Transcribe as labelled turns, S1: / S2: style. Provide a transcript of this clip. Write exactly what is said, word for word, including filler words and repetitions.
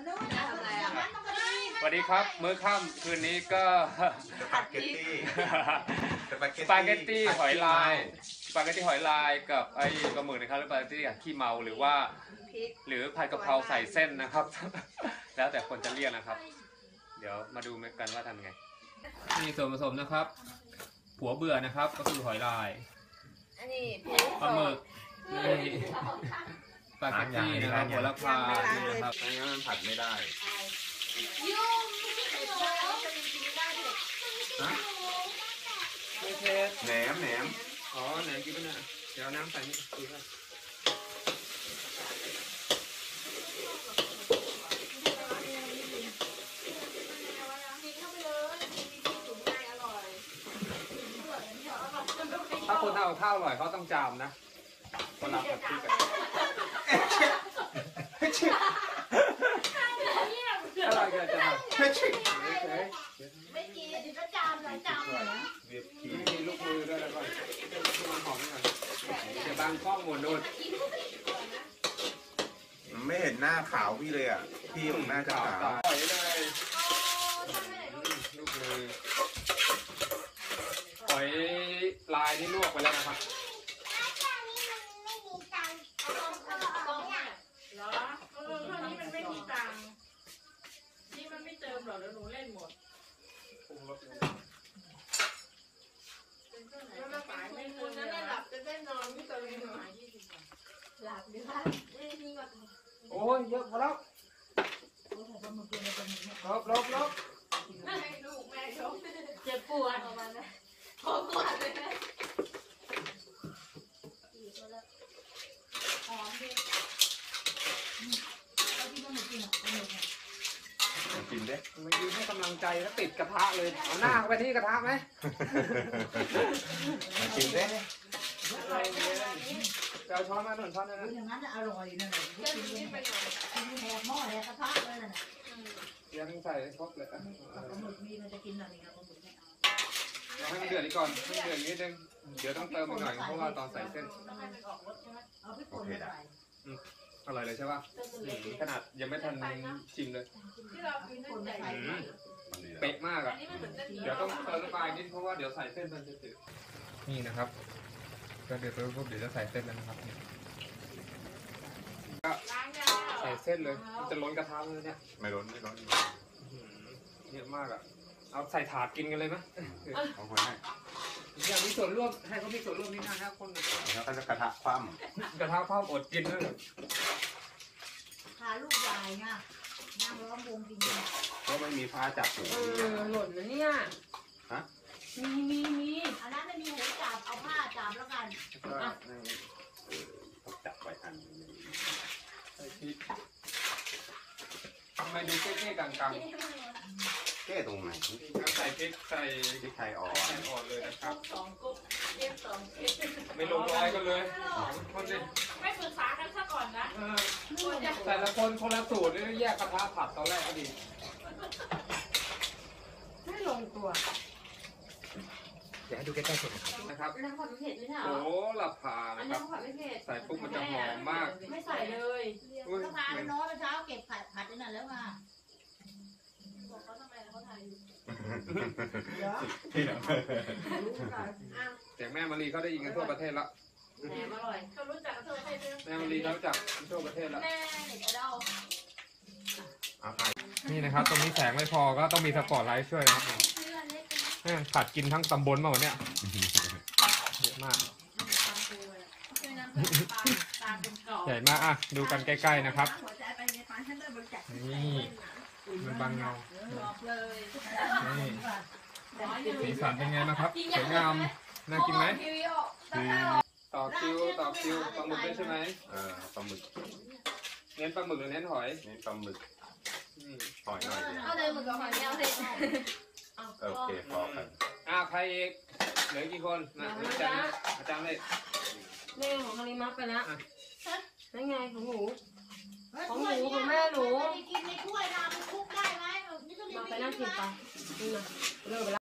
S1: สวัสดีครับมื้อค่ำคืนนี้ก็
S2: สปาเกตตี้
S1: สปาเกตตี้หอยลายสปาเกตตี้หอยลายกับไอ้ปลาหมึกนะครับหรือสปาเกตตี้ขี้เมาหรือว่าหรือผัดกะเพราใส่เส้นนะครับ แล้วแต่คนจะเรียกนะครับ เดี๋ยวมาดูกันว่าทำไงนี่ส่วนผสมนะครับหัวเบื่อนะครับก็คือหอยลายปลาหมึกนี่สปาเกตตี้นะครับหัวละพานี่นะครับ
S2: ไม่งั้นมันผัดไม่ได้
S1: ไม่เผ็ด
S2: แหนมแหนม
S1: อ๋อไหนกินไม่ได้เดี๋ยวน้ำใส่นี่กินได้ถ้าคนทำกับข้าวอร่อยเขาต้องจามนะคนรับแบบพี่กันอร่อยเกินจะทำ
S3: ไม่กินเดี๋ยวก็จามหลายจามเลยนะ
S2: เวียบขี
S1: มีลูกมือด้วยแล้วก็มันหอมหน่อยเดี๋ยวบางกล้องหมุนดู
S2: ไม่เห็นหน้าขาวพี่เลยอ่ะพี่ของหน้าจะขาว
S1: ปล่อยเลยลูกมือหอยลายนี่ลวกไปแล้วนะครับ
S3: เหรอเออเท่านี้มันไม่มีตังค์นี่มันไม่เติมหรอกเดี๋ยวหนูเล่นหมด
S1: ปรุงรสเลย
S3: แล้วมาขายไม่เติมจะได้หลับจะได้นอนไม่เติมหน่อยหลับดีค่ะนี่ก็
S1: โอ้ยเยอะพอแล้วลบลบลบ
S3: ให้ลูกแม่ชมเจ็บปวดประมาณนั้นขอปวดเลยนะหอมดีเอาที่มันกินอ่ะเอาหมดเนี่ย
S2: กินได้
S1: มายืนให้กำลังใจแล้วติดกระทะเลยเอาหน้าเข้าไปที่กระทะไหม
S2: มากินได้
S1: เอาช้อนมาหนึ่งช้อนนะ
S4: อย่างนั้นจะอร่อยนั่นแหละกินกินแหกหม้อแหกกระทะเลยน่ะ
S1: ยังใส่ครบเลยอ่ะ
S4: ปลาหมึกมีมันจะกินอะไรกับปลาหมึกไม่เอา
S1: เราให้มันเดือดก่อนให้เดือดนิดนึงเดี๋ยวต้องเติมอีกหน่อยเพราะว่าตอนใส่เส้น
S4: เอาพริกป่นมาใส่
S1: อร่อยเลยใช่ป่ะขนาดยังไม่ทันชิมเลยเป๊ะมากอ่ะเดี๋ยวต้องเติมน้ำปลานิดเพราะว่าเดี๋ยวใส่เส้นมันจะจืดนี่นะครับก็เดี๋ยวปุ๊บเดี๋ยวจะใส่เส้นแล้วนะครับก็ใส่เส้นเลยจะล้นกระทะเลยเนี่ย
S2: ไม่ร้อนไม่ร้อน
S1: เยอะมากอ่ะเอาใส่ถาดกินกันเลยไหม
S2: เอาคนให้
S1: อยากมีส่วนร่วมให้เขามีส่วนร่วมนิดนะครับคน
S2: แล้วก็จะกระทะคว่
S1: ำกระทะคว่ำอดกินด้วย
S4: พาลูกใหญ่ไงนั่งล้อมวงกินกัน
S2: ก็ไม่มีผ้าจับหู
S3: เออหล่นนะเนี่ย
S2: ฮะ
S3: มีมีมี
S4: อันนั้นไม่มีหูจับเอาผ้าจับแล้วกัน
S2: ก็ต้องจับไว้ทัน
S1: ใส่พริกทำไมดูเก๊ๆกัง
S2: แก้ตรงไหน
S1: ๆใส่พริกใส่
S2: พริกไทยอ่อน
S1: อ่อนเลยนะครับ
S3: สองกุ๊กเรียบสองเก็บ
S1: ไม่ลงรอยกันเลยคนดิ
S3: ไม่ปรึกษากันซะก่อนนะ
S1: แต่ละคนคนละสูตรนี่แยกกระทะผัดตอนแรกก็ดี
S3: ไม่ลงตัว
S1: เดี๋ยวให้ดูใกล้ๆสุดนะครับ
S3: น้ำผัดไม่เผ็ดไม่ใช่หรอ
S1: โอ้หลับผ่านะครับ
S3: น้ำผัดไม่เผ็ด
S1: ใส่ปุ๊บมันจะหอมมาก
S3: ไม่ใส่เลย
S4: กระทะน้อยเช้าเก็บผัดผัดนั่นแล้วมา
S3: บอกเขาทำไมเขาถ่ายอยู่
S1: เสียงแม่มารีเขาได้ยินกันทั่วประเทศละ
S3: แหนมอร่อยเขารู้จักทั่วประเทศ
S1: แม่มารีเขารู้จักทั่วประเทศละ
S3: แม่เด็กเรา
S1: นี่นะครับตรงนี้แสงไม่พอก็ต้องมีสปอตไลท์ช่วยนะครับผัดกินทั้งตำบลมาหมดเนี่ยเยอะมากใหญ่มากอ่ะดูกันใกล้ๆนะครับนี่มันบางเงานี่สีสันเป็นไงนะครับสวยงามน่ากินไหมต่อคิวต่อคิวปลาหมึกด้วยใช่ไหม
S2: เออปลาหมึก
S1: เน้นปลาหมึกหรือเน้นหอย
S2: เน้นปลาหมึกหอยหน่อย
S3: เอาเลยหมึกกับหอยไม่เอาเลย
S2: โอเคพอกัน
S1: อ้าวใครอีกเหลือกี่คนมาอาจารย์อาจารย์เลย
S3: แม่ของคาริมัสไปแล้วนั่นไงของหนูของหนูของแม่หนู
S4: กินในถ้วยนะมันคุกได้ไหมนี่ก็
S3: ไปนั่งกินไปนี่มาเลิกไปแล้ว